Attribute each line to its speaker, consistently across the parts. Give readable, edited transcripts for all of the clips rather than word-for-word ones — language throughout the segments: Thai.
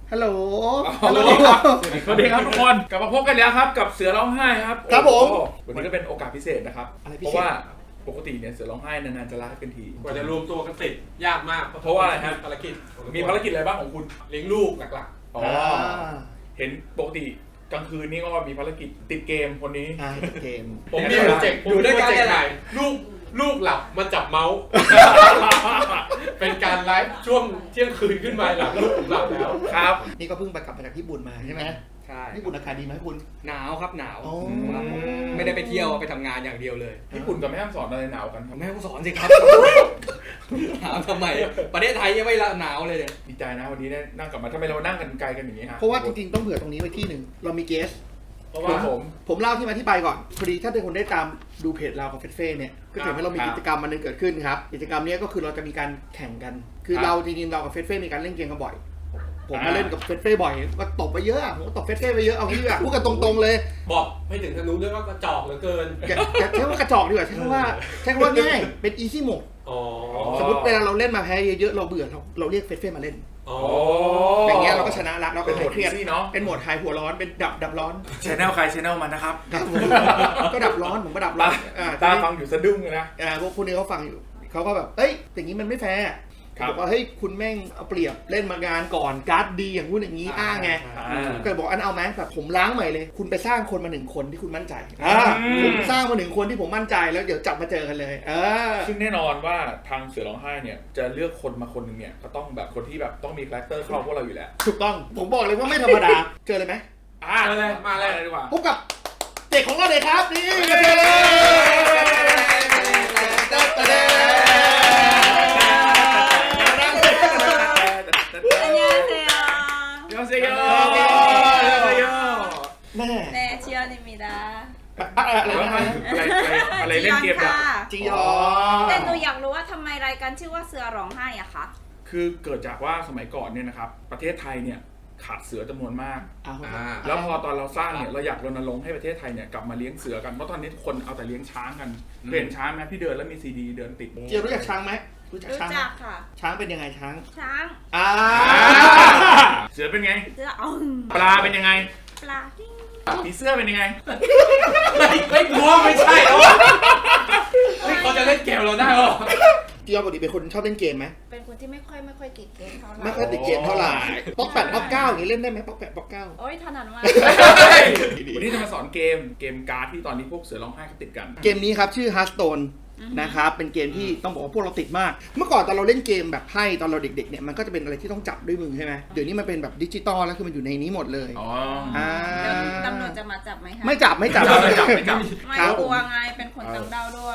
Speaker 1: ฮัลโหล
Speaker 2: สวัสดีครับสวัสดีครับทุกคนกลับมาพบกันแล้วครับกับเสือร้องไห้ครับ
Speaker 1: ครับผม
Speaker 2: วันนี้ก็เป็นโอกาสพิเศษนะครับ
Speaker 1: อะไรพิ
Speaker 2: เพ
Speaker 1: เศษ
Speaker 2: ราะว่าปกติเนี่ยเสือร้องไห้นานๆจะไลฟ์กันที
Speaker 3: กว่าจะรวมตัวกันติดยากมาก
Speaker 2: เพราะว่าอะไรครับ
Speaker 3: ภารกิจ
Speaker 2: มีภารกิจอะไรบ้างของคุณ
Speaker 3: เลี้ยงลูกหลัก
Speaker 2: อ๋อเห็นปกติกลางคืนนี่ก็มีภารกิจติดเกมคนนี้
Speaker 1: เกม
Speaker 3: ๆผมมีโปรเจกต์ถ่ายลูกหลับมาจับเมาส์ เป็นการไลฟ์ช่วงเที่ยงคืนขึ้นมาหลังลูกผมหลับแล้ว
Speaker 2: ครับ
Speaker 1: นี่ก็เพิ่งไปกลับมาจากญี่ปุ่นมาใช่ไหม
Speaker 4: ใช่
Speaker 1: ญี่ปุ่นอากาศดีไหมคุณ
Speaker 4: หนาวครับหนาว
Speaker 1: โอ้
Speaker 4: ครับผมไม่ได้ไปเที่ยวไปทำงานอย่างเดียวเลย
Speaker 2: ญี่ปุ่นกับแม่ฮ่องสอนอะไรหนาวกันครับ
Speaker 4: แม่ต้องสอนสิครับถามทำไมประเทศไทยยังไม่หนาวเลยเนี่ย
Speaker 2: ดีใจนะวันนี้ได้นั่งกลับมาทำไมเรานั่งกันไกลกันอย่างนี้ฮะ
Speaker 1: เพราะว่าจริงๆต้องเผื่อตรงนี้ไว้ที่หนึ่งเรามีเกส
Speaker 2: เพราะว่าผม
Speaker 1: ผมเล่าที่มาที่ไปก่อนพอดีถ้าทุกคนได้ตามดูเพจเรากับเฟสเฟ่เนี่ยก็จะเห็นว่าเรามีกิจกรรมมันนึงเกิดขึ้นครับกิจกรรมนี้ก็คือเราจะมีการแข่งกัน คือเราจริงๆเรากับเฟสเฟ่มีการเล่นเกมกันบ่อยผมมาเล่นกับเฟสเฟ่บ่อยก็ตบไปเยอะผมก็ตบเฟสเฟ่ไปเยอะเอางี้ดีกว่าพูดกันตรงๆเลย
Speaker 3: บอกไม่ถึงทางนู้นด้วยว่ากระจอกเหลือเกิน
Speaker 1: อย่าใช้ว่ากระจอกดีกว่าใช้คำว่าง่ายเป็นอีซี่โหมด
Speaker 3: อ๋อ
Speaker 1: สมมติเวลาเราเล่นมาแพ้เยอะๆเราเบื่อเราเรียกเฟสเฟ่มาเล่น
Speaker 3: อ๋อ
Speaker 1: อย่างเงี้ยเราก็ชนะละเราก็
Speaker 2: เป็นโหม
Speaker 1: หาย
Speaker 2: ด
Speaker 1: เครียด
Speaker 2: ซี่เนาะ
Speaker 1: เป็นโหมดหายหัวร้อนเป็นดับร้อน
Speaker 2: ชแนลใครชแนลมันนะครับ
Speaker 1: ครับผมก็ดับร้อนผมก็ดับร้อน
Speaker 2: ตาฟังอยู่สะดุ้งเลยนะ
Speaker 1: พวกนี้เขาฟังอยู่เขาก็แบบเอ้ยอย่างนี้มันไม่แฟร์
Speaker 2: ครับ
Speaker 1: บอกว่าเฮ้ยคุณแม่งเอาเปรียบเล่นมางานก่อนการ์ดดีอย่างนู้นอย่างนี้อ้างไงก็บอกอันเอาไหมแบบผมล้างใหม่เลย คุณไปสร้างคนมา1 คนที่คุณมั่นใจผมสร้างมา1 คนที่ผมมั่นใจแล้วเดี๋ยวจับมาเจอกันเลย
Speaker 2: ซึ่งแน่นอนว่าทางเสือร้องไห้เนี่ยจะเลือกคนมาคนหนึ่งเนี่ยก็ต้องแบบคนที่แบบต้องมีคาแรคเตอร์เข้าพวกเราอยู่แล้ว
Speaker 1: ถูกต้องผมบอกเลยว่าไม่ธรรมดาเจอเลยไหม
Speaker 2: มาเลยดีกว่า
Speaker 1: พบกับเด็กของเราเลยครับนี่
Speaker 2: ยอเซโย
Speaker 1: แม่
Speaker 5: 네, 지연입니다.
Speaker 2: อะไรเล่นเกมอะ
Speaker 1: จียอ
Speaker 5: แต่หนูอยากรู้ว่าทำไมรายการชื่อว่าเสือร้องไห้อะคะ
Speaker 2: คือเกิดจากว่าสมัยก่อนเนี่ยนะครับประเทศไทยเนี่ยขาดเสือจำนวนมาก แล้วพอตอนเราสร้างเนี่ยเราอยากรณรงค์ให้ประเทศไทยเนี่ยกลับมาเลี้ยงเสือกันเพราะตอนนี้คนเอาแต่เลี้ยงช้างกันเห็นช้างไหมพี่เดินแล้วมีซีดีเดินติด
Speaker 1: เจียรู้จักช้างไหมรู้จัก
Speaker 5: รู้
Speaker 1: ช้าง
Speaker 5: จักค่ะ
Speaker 1: ช้างเป็นยังไงช้าง
Speaker 5: ช้าง
Speaker 2: เสือเป็นไง
Speaker 5: เสือเอา
Speaker 2: ปลาเป็นยังไง
Speaker 5: ปลาดิ้ง
Speaker 2: ผีเสื้อเป็นยังไง
Speaker 3: ไม่กลัวไม่ใช่หรอเขาจะเล่นเกมเราได้หรอ
Speaker 1: จียอปกติเป็นคนชอบเล่นเกมไหม
Speaker 5: เป็นคนที่ไม่ค่อยติดเกมเท่าไหร่
Speaker 1: ไม่ค่อยติดเกมเท่าไหร่ป๊อกแปดป๊อกเก้าอย่างนี้เล่นได้ไหมป๊อกแปดป๊อกเก้า
Speaker 5: โอ้ยถนัดมาก
Speaker 2: วันนี้จะมาสอนเกมการ์ดที่ตอนนี้พวกเสือร้องไห้เขาติดกัน
Speaker 1: เกมนี้ครับชื่อ Hearthstone นะครับเป็นเกมที่ต้องบอกว่าพวกเราติดมาก เมื่อก่อนตอนเราเล่นเกมแบบไพ่ตอนเราเด็กๆเนี่ยมันก็จะเป็นอะไรที่ต้องจับด้วยมือใช่ไหมเดี๋ยวนี้มันเป็นแบบดิจิตอลแล้วคือมันอยู่ในนี้หมดเลย
Speaker 2: อ๋อ
Speaker 5: แล้วตำรวจจะมาจับไหมคะ
Speaker 1: ไม่จับ
Speaker 2: ไม่จับ
Speaker 5: ไม่
Speaker 1: ครับ
Speaker 5: กลัวไงเป็นคนต่างดาวด้วย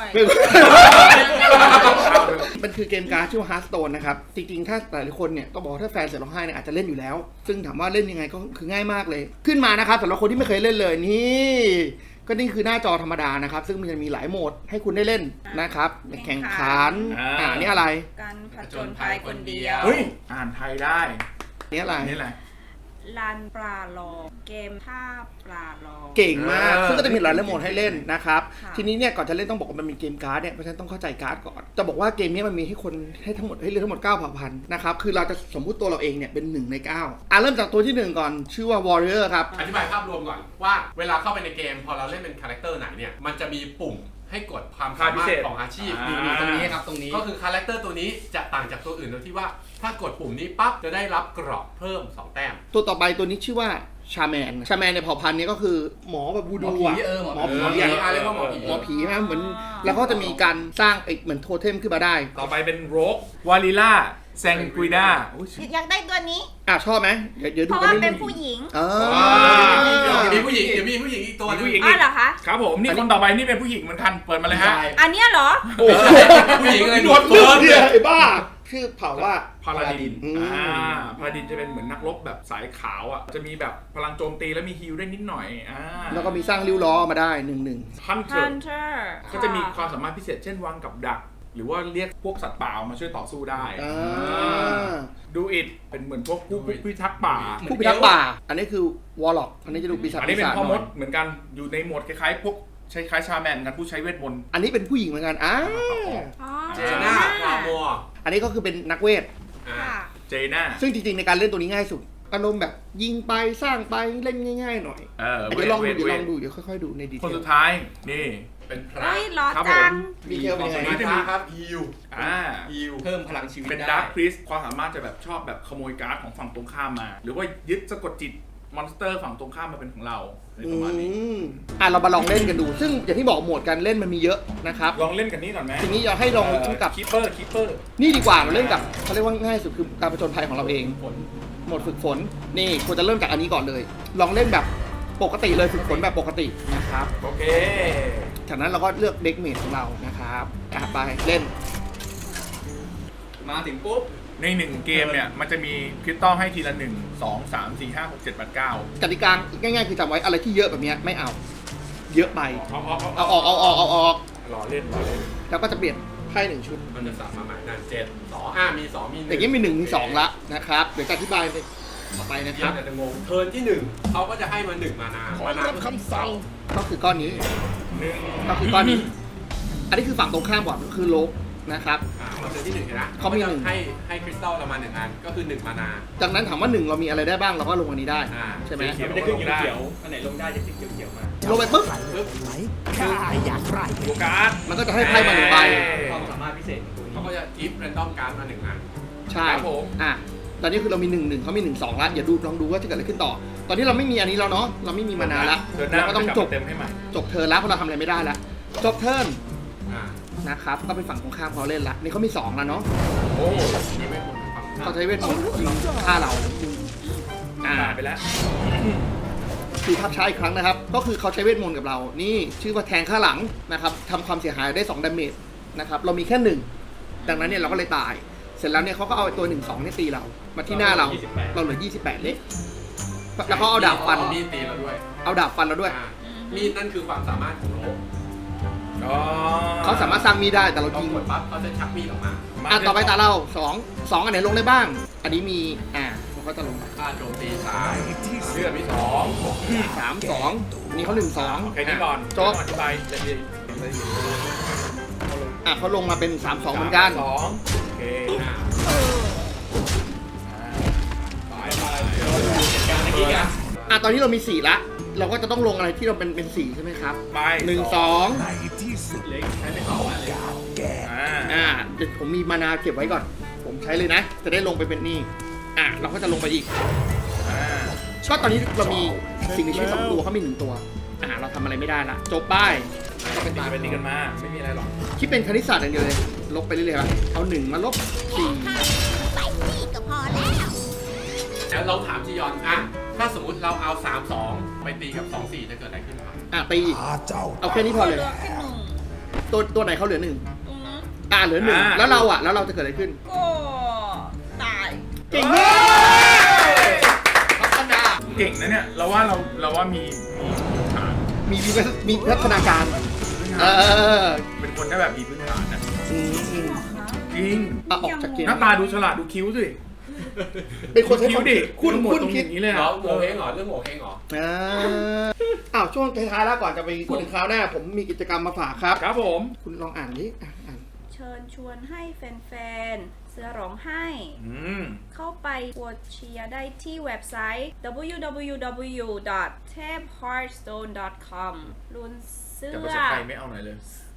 Speaker 1: มันคือเกมการ์ดชื่อว่า Hearthstone นะครับจริงๆถ้าหลายคนเนี่ยก็บอกว่าถ้าแฟนเสือร้องไห้เนี่ยอาจจะเล่นอยู่แล้ว ซึ่งถามว่าเล่นยังไงก็คือง่ายมากเลย ขึ้นมานะครับสำหรับคนที่ไม่เคยเล่นเลยนี่ก็นี่คือหน้าจอธรรมดานะครับซึ่งมันจะมีหลายโหมดให้คุณได้เล่นนะครับแข่งขันนี่อะไร
Speaker 5: การผจญภัยคนเดียว
Speaker 2: เฮ้ยอ่านไทยได้
Speaker 1: นี่อะไร
Speaker 2: นี่แหละ
Speaker 5: ลานปลาลองเกมท่าปลาลอง
Speaker 1: เก่งมากซึ่งก็จะมีหลายโหมดให้เล่นนะครับ
Speaker 5: ค่ะ
Speaker 1: ทีนี้เนี่ยก่อนจะเล่นต้องบอกว่ามันมีเกมการ์ดเนี่ยเพราะฉะนั้นต้องเข้าใจการ์ดก่อนจะบอกว่าเกมนี้มันมีให้คนให้ทั้งหมดให้เลือกทั้งหมด9เผ่าพันธุ์นะครับคือเราจะสมมุติตัวเราเองเนี่ยเป็น1 ใน 9เริ่มจากตัวที่1ก่อนชื่อว่า Warrior ครับ
Speaker 3: อธิบายภาพรวมก่อนว่าเวลาเข้าไปในเกมพอเราเล่นเป็นคาแรคเตอร์ไหนเนี่ยมันจะมีปุ่มให้กดความสามารถของอาชีพ
Speaker 4: อยู่ตรงนี้ครับตรงนี้
Speaker 3: ก็คือคาแรคเตอร์ตัวนี้จะต่างจากตัวอื่นโดยที่ว่าถ้ากดปุ่มนี้ปั๊บจะได้รับเกราะเพิ่ม2 แต้ม
Speaker 1: ตัวต่อไปตัวนี้ชื่อว่าชาแมนในเผ่าพันธุ์นี้ก็คือหมอแบบบูดูอ่ะ
Speaker 4: หมอผี
Speaker 1: หมอผี
Speaker 3: เรียกว่าหมอผี
Speaker 1: หมอผีนะเหมือนแล้วก็จะมีการสร้างเหมือนโทเทมขึ้นมาได้
Speaker 2: ต่อไปเป็นโรกวาลิล่าแซงกุยด้า
Speaker 5: อยากได้ตัวนี้
Speaker 1: ชอบไหมเดี๋ยว
Speaker 5: เพ
Speaker 1: ดู
Speaker 5: ราะ
Speaker 1: กัน
Speaker 5: ว่า
Speaker 1: เรื่
Speaker 5: เป็
Speaker 1: อน ย
Speaker 5: ผู้หญิง
Speaker 1: ๆ
Speaker 3: มีผู้หญิงเดี๋ยวมีผู้หญิงอีกตัวนึง
Speaker 5: อ๋อเหรอคะ
Speaker 2: ครับผมนี่คนต่อไปนี่เป็นผู้หญิงเหมือนกันเปิดมาเลยฮะ
Speaker 5: อันเนี้ยเหรอ
Speaker 3: ผู้หญิงเลย
Speaker 2: หนวด
Speaker 3: เฟิร์น
Speaker 1: เนี่ยไอ้บ้าชื่อเผ่าว่า
Speaker 2: พาราดิน
Speaker 1: อืม
Speaker 2: พาราดินจะเป็นเหมือนนักรบแบบสายขาวอ่ะจะมีแบบพลังโจมตีแล้วมีฮิลได้นิดหน่อย
Speaker 1: แล้วก็มีสร้างริ้วล้อมาได้1
Speaker 2: ฮันเตอร์
Speaker 5: Hunter
Speaker 2: ก็จะมีความสามารถพิเศษเช่นวางกับดัก หรือว่าเรียกพวกสัตว์ป่ามาช่วยต่อสู้ได้ดูอิดเป็นเหมือนพวกผู้พิทักษ์ป่า
Speaker 1: ผู้พิทักษ์ป่าอันนี้คือวอลล็อกอันนี้จะดูปีศาจ
Speaker 2: อันนี้เป็นพ่อมดเหมือนกันอยู่ในโหมดคล้ายๆพวกใช้คล้ายชาแมนกันผู้ใช้เวทมนต์
Speaker 1: อันนี้เป็นผู้หญิงเหมือนกัน
Speaker 5: อ๋อ
Speaker 3: เจน่าคามัว
Speaker 1: อันนี้ก็คือเป็นนักเวท
Speaker 5: ค่ะ
Speaker 2: เจน่า
Speaker 1: ซึ่งจริงๆในการเล่นตัวนี้ง่ายสุดอารมณ์แบบยิงไปสร้างไปเล่นง่ายๆหน่อยเดี๋ยวลองดูเดี๋ยวค่อยๆดูในดีเทล
Speaker 2: คนสุดท้ายนี่
Speaker 3: เป็นพระ
Speaker 5: เฮ้ยร้อน
Speaker 2: ครับ
Speaker 5: จัง
Speaker 1: ดีเทลเป็นยังไง
Speaker 3: พระครับฮิว
Speaker 4: ฮิวเพิ่มพลังชีวิต
Speaker 2: เป็น
Speaker 4: ได้
Speaker 2: ดาร์คพริสความสามารถจะแบบชอบแบบขโมยการ์ดของฝั่งตรงข้ามมา หรือว่ายึดสะกดจิตมอนสเตอร์ฝั่งตรงข้ามมาเป็นของเราในประมาณนี้
Speaker 1: เรามาลองเล่นกันดู ซึ่งอย่างที่บอกโหมดการเล่นมันมีเยอะนะครับ
Speaker 2: ลองเล่นกันนี่ก่อนไหม
Speaker 1: ทีนี้อยากให้ลองกับ
Speaker 2: คิปเปอร์
Speaker 1: นี่ดีกว่าเราเล่นกับเขาเรียกว่าง่ายสุดคือการผจญภัยของเราเองโหมดฝึกฝนนี่ควรจะเริ่มจากอันนี้ก่อนเลย ลองเล่นแบบปกติเลยฝึกฝนแบบปกตินะครับ
Speaker 2: โอเค
Speaker 1: จากนั้นเราก็เลือกเด็กเมจของเรานะครับไปเล่น
Speaker 4: มาถึงปุ๊บ
Speaker 2: ใน1เกมเนี่ยมันจะมีคริสตัลให้ทีละ1 2 3 4 5 6 7 8 9
Speaker 1: กติกาง่ายๆคือจำไว้อะไรที่เยอะแบบนี้ไม่เอา เยอะไป
Speaker 2: เอา
Speaker 1: เอาออก
Speaker 2: รอเล่น
Speaker 1: แล้วก็จะเปลี่ยนไพ่1ชุด
Speaker 3: มันจะสับมาใหม่นั่น7 2มี2มี1
Speaker 1: อย่างนี้มี1มี2ละนะครับเดี๋ยวจะอธิบายต่อไปนะค
Speaker 3: เดี๋ย
Speaker 1: รั
Speaker 3: ว
Speaker 1: บ
Speaker 3: จะงงเทิร์นที่1เขาก็จะให้มา1มานาคำสั่ง
Speaker 1: ก็คือก้อนนี้
Speaker 2: 1
Speaker 1: ก็คือก้อนนี้ อันนี้คือฝั่งตรงข้ามก่อนคือโลกนะครับ
Speaker 3: เราเทิร์นที่1เห็นนะ
Speaker 1: เขามีหนึ่ง
Speaker 3: ให้คริสตัลเรามา1อันก็คือ1มานา
Speaker 1: จากนั้นถามว่า1เรามีอะไรได้บ้างเราก็ลงอันนี้ได้ใช่ไหม
Speaker 2: เขียว
Speaker 4: มันจะขึ้นเขียวๆอันไหนลงได้จะขึ้นเขียวๆมา
Speaker 1: ลงไปปุ๊บ
Speaker 2: โอกาส
Speaker 1: มันก็จะให้ไพ่มา1ใบ
Speaker 4: ความสามารถพิเศษของตัวนี้
Speaker 3: เขาก็จะกิฟต์แรนดอมการ์ดมา1อัน
Speaker 1: ใช่ตอนนี้คือเรามี1 1เขามี1 2แล้วอย่าดูลองดูว่าจะเกิดอะไรขึ้นต่อ ตอนนี้เราไม่มีอันนี้แล้วเนาะเราไม่มีมานานละ
Speaker 2: เทิร์นหน้า
Speaker 1: เราก็ต้องจบ
Speaker 2: เต็มให้ใหม่
Speaker 1: เทิร์นแล้วเพราะเราทำอะไรไม่ได้แล้วจบเทิร์น
Speaker 3: อ่า
Speaker 1: นะครับก็เป็นฝั่งตรงข้ามเขาเล่นละนี่เขามี2แล้วเนาะ
Speaker 2: โอ้
Speaker 3: นี่ไม่ควรฟัง
Speaker 1: เขาใช้เวทมนต์ยิงฆ่าเรา
Speaker 2: ตายไปแล้ว
Speaker 1: คือภาพช้าอีกครั้งนะครับ ก็คือเขาใช้เวทมนต์กับเรา นี่ชื่อว่าแทงข้างหลังนะครับทำความเสียหายได้2ดาเมจนะครับเรามีแค่1ดังนั้นเนี่ยเราก็เลยตาย เสร็จแล้วเนี่ยเขาก็เอาตัว1 2เนี่ยตีเรามาที่หน้าเราเหลือ28เล็กแล้วก็เอาดาบฟัน
Speaker 3: มีดตีเราด้วย
Speaker 1: เอาดาบฟันเราด้วย
Speaker 3: มีดนั่นคือความสามารถของโลก
Speaker 1: เขาสามารถสร้างมีดได้แต่เรา
Speaker 3: พอ
Speaker 1: ยิง
Speaker 3: กดปั๊บเขาจะชักมีดออกมา
Speaker 1: ต่อไปตาเรา2อันไหนลงได้บ้าง อันนี้มีมันก็จะลงไป
Speaker 3: ค่าโจมตี3เลือดมี2
Speaker 1: 3 2นี่เขา1 2
Speaker 2: แค่นี้ก่อน
Speaker 1: จบ
Speaker 2: อธิบายละเอียด
Speaker 1: เขาลงมาเป็น3 2เหมือนกัน
Speaker 2: 2โอเค
Speaker 4: การเมื่อกี้กัน
Speaker 1: ตอนนี้เรามี4ละเราก็จะต้องลงอะไรที่เราเป็น4ใช่ไหมครับ
Speaker 2: ไป
Speaker 1: 1 2
Speaker 4: เล็กใช้ไม่เข้าอ่ะ
Speaker 1: เดี๋ยวผมมีมานาเก็บไว้ก่อน ผมใช้เลยนะ จะได้ลงไปเป็นนี่เราก็จะลงไปอีกก็ตอนนี้เรามีสิ่งมีชีวิต2ตัวเขามี1ตัวเราทำอะไรไม่ได้ละจบป้าย
Speaker 2: ก็เป็นตีกันมาไม่มีอะไรหรอก
Speaker 1: คิดเป็นคณิตศาสตร์อย่างเดียวเลยลบไปเรื่อยๆครับเอา1มาลบ
Speaker 6: ไปนี่ก็พอแล้ว
Speaker 3: เดี๋ยวเราถามจียอนถ้าสมมติเราเอา3-2ไปตีกับ2-4จะเกิดอะไรขึ้นครับ
Speaker 1: 4ตีเอาแค่นี้พอเลย
Speaker 5: หลืแค่หนึ่ง
Speaker 1: ตัวไหนเขาเหลือ1
Speaker 5: ตรงนั้น
Speaker 1: เหลือ1แล้วเราแล้วเราจะเกิดอะไรขึ้น
Speaker 5: ก็ตาย
Speaker 1: เก่งมาก
Speaker 2: เก่งนะเนี่ยเราว่ามีฐาน
Speaker 1: มีพัฒนาการ
Speaker 2: เป็นคนที่แบบมีพื้นฐานนะ
Speaker 1: อืม
Speaker 2: จริง
Speaker 1: ออกจากเกม
Speaker 2: หน้าตาดูฉลาดดูคิ้วสิ
Speaker 1: เป็นคนใช้
Speaker 2: คิ้วดิ
Speaker 1: คุณ
Speaker 2: หมด
Speaker 1: คุณ
Speaker 2: ตรง
Speaker 1: คิด
Speaker 2: อย่างนี้เลย
Speaker 3: เหร
Speaker 2: อ่ะ
Speaker 3: อโงเฮงเหรอเรื่องโงเฮงเหรอ
Speaker 1: ช่วงท้ายๆแล้วก่อนจะไปพูดถึงคราวหน้า ผมมีกิจกรรมมาฝากครับ
Speaker 2: ครับผม
Speaker 1: คุณลองอ่านดิอ่าน
Speaker 5: เชิญชวนให้แฟนๆ เสือร้องไห้ เข้าไปกดเชียร์ได้ที่เว็บไซต์ www.tapheartstone.com ลุ้นเสื้
Speaker 2: แต่
Speaker 5: อ
Speaker 2: ภาษาไทยไม่เอาหน่อยเลย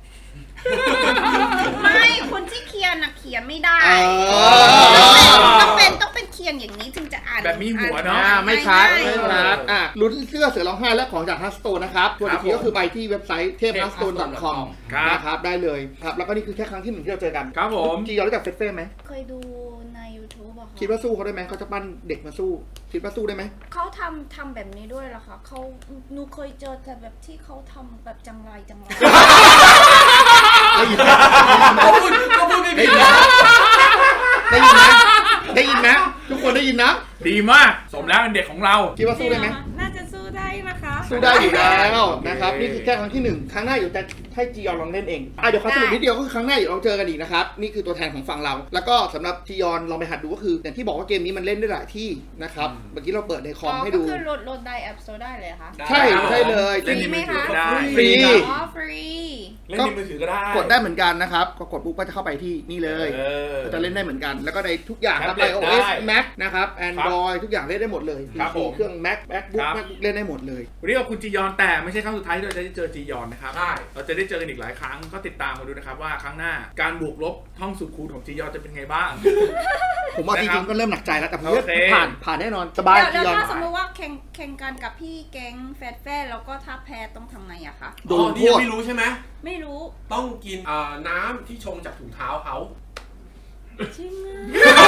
Speaker 5: ไม่คนที่เขียนเขียนไม่ได้ ต้องเป็นเขียนอย่างนี้ถึงจะอ่าน
Speaker 2: แบบมีหัวเนอะ
Speaker 1: ไม่ชัด
Speaker 5: ง่าย
Speaker 1: ไม่ชัดลุ้นเสื้อเสือร้องไห้และของจากฮัสโตนนะครับตัวอีกทีก็คือไปที่เว็บไซต์ tapehasstone.com นะครับได้เลยครับแล้วก็นี่คือแค่ครั้งที่1ที่เราเจอกัน
Speaker 2: ครับผม
Speaker 1: จียอนรู้จักเฟสเฟ่ไหม
Speaker 5: เคยดูใน YouTube อะค่ะ
Speaker 1: คิดว่าสู้เขาได้ไหมเขาจะปั้นเด็กมาสู้คิดว่าสู้ได้ไหม
Speaker 5: เขาทำแบบนี้ด้วยเหรอคะหนูเคยเจอแต่แบบที่เขาทำแบบจังไร
Speaker 3: ก็พูดไม่ผิดนะ
Speaker 1: ได้ยินไหมได้ยินไหมทุกคนได้ยินนะ
Speaker 2: ดีมากสมแล้วเป็นเด็กของเรา
Speaker 1: คิดว่าสู้ได้ไหม
Speaker 5: น่าจะสู้ได้นะคะ
Speaker 1: สู้ได้อยู่แล้วนะครับนี่คือแค่ครั้งที่1ครั้งหน้าอยู่แต่ให้จียอนลองเล่นเองเดี๋ยวขอสรุปนิดเดียวก็คือครั้งหน้าเดี๋ยวเราเจอกันอีกนะครับนี่คือตัวแทนของฝั่งเราแล้วก็สำหรับจียอนลองไปหัดดูก็คืออย่างที่บอกว่าเกมนี้มันเล่นได้หลายที่นะครับเมื่อกี้เราเปิดในคอมให้ดู
Speaker 5: ก็คือโหลดได้แอปสโตร์ได้เลยคะ
Speaker 1: ใช่ใช่เลย
Speaker 2: เล่นในมือถือก็ได้
Speaker 1: ฟรี
Speaker 5: อ๋อฟรี
Speaker 2: เล่นในมือถือก็ได้
Speaker 1: กดได้เหมือนกันนะครับก็กดปุ๊บก็จะเข้าไปที่นี่เลย ก็จะเล่นได้เหมือนกัน แล้วก็ในทุกอย่างครับ
Speaker 2: แท็บเล็ต
Speaker 1: iOS
Speaker 2: ได้
Speaker 1: Mac นะครับ Android ทุกอย่างเล่นได้หมดเลย
Speaker 2: ครับ
Speaker 1: PC
Speaker 2: ผม
Speaker 1: เครื่อง MacBook
Speaker 2: ครับ
Speaker 1: MacBook เล่นได้หมดเลย
Speaker 2: วันนี้ขอบคุณจียอนแต่ไม่ใช่ครั้งสุดท้ายที่เราจะได้เจอจียอนนะครับ
Speaker 3: ใช่
Speaker 2: เราจะได้เจอกันอีกหลายครั้งก็ติดตามมาดูนะครับว่าครั้งหน้าการบวกลบท่องสุดคูณของจียอนจะเป็นไงบ้าง
Speaker 1: ผมว่าจ
Speaker 2: นะครับ
Speaker 1: ริงๆก็เริ่มหนักใจแล้วแต่ผม
Speaker 2: โอเค
Speaker 1: ผ่านแน่นอนสบาย
Speaker 5: แล้ว
Speaker 1: จียอน
Speaker 5: ถ้าสมมติว่าแข่งกันกับพี่แก๊งแฟนแล้วก็ถ้าแพ้ต้องทำไงอะคะ
Speaker 1: โดน
Speaker 3: นี่
Speaker 1: โท
Speaker 3: ยัง
Speaker 1: ษ
Speaker 3: ไม่รู้ใช่ไหม
Speaker 5: ไม่รู้
Speaker 3: ต้องกินน้ำที่ชงจากถุงเท้าเขา
Speaker 5: จริงอะ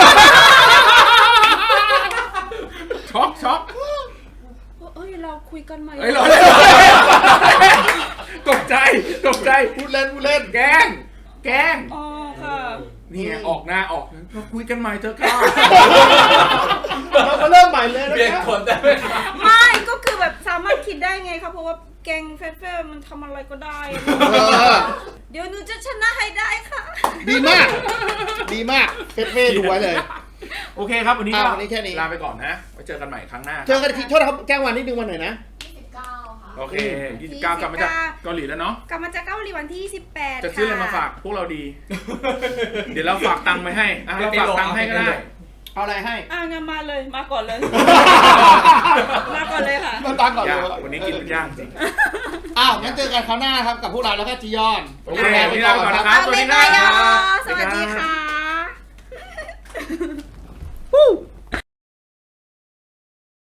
Speaker 2: ช็อก
Speaker 5: เอ้ยเราคุยกันมา
Speaker 2: เฮ้ยเราตกใจ
Speaker 1: พูดเล่น
Speaker 2: แกล้ง
Speaker 5: อ๋อค่ะ
Speaker 2: นี่ไงออกหน้าออกเราคุยกันใหม่เถอะครับ
Speaker 1: เรามาเริ่มใหม่เลยนะ
Speaker 3: เปลี่ยน
Speaker 1: ครับ
Speaker 3: คนได้ไหม
Speaker 5: ไม่ก็คือแบบสามารถคิดได้ไงครับเพราะว่าแก๊งแฟนมันทำอะไรก็ได้
Speaker 1: เออ
Speaker 5: เดี๋ยวหนูจะชนะให้ได้ค่ะ
Speaker 1: ดีมากเฟสเฟ่ดูไว้เลย
Speaker 2: โอเคครับวันนี้ก็
Speaker 1: วันนี้แค่นี้
Speaker 2: ลาไปก่อนนะไว้เจอกันใหม่ครั้งหน้า
Speaker 1: เจอกันอีกทีโทษนะครับแจ้งวันนิดนึงวันไหนนะ
Speaker 2: โอเค29กลับมาจากเกาหลีแล้วเนาะ
Speaker 5: กลับมาจากเกาหลีวันที่28
Speaker 2: จะซื้ออะไรมาฝากพวกเราดี เดี๋ยวเราฝากตังค์ไปให้เราฝากตังค์ให้ก็ได้
Speaker 1: เอาอะไรให้
Speaker 5: งั้นมาเลยมาก่อนเลย มาก่อนเลยค่ะ
Speaker 1: มาตั้งก่อนเลย
Speaker 2: วันนี้กินมันย่างจริง
Speaker 1: งั้นเจอกันคราวหน้าครับกับพวกเราแล้วก็จียอน
Speaker 2: โอเควันนี้ลาไปก่อนนะครับสวัสดีครับ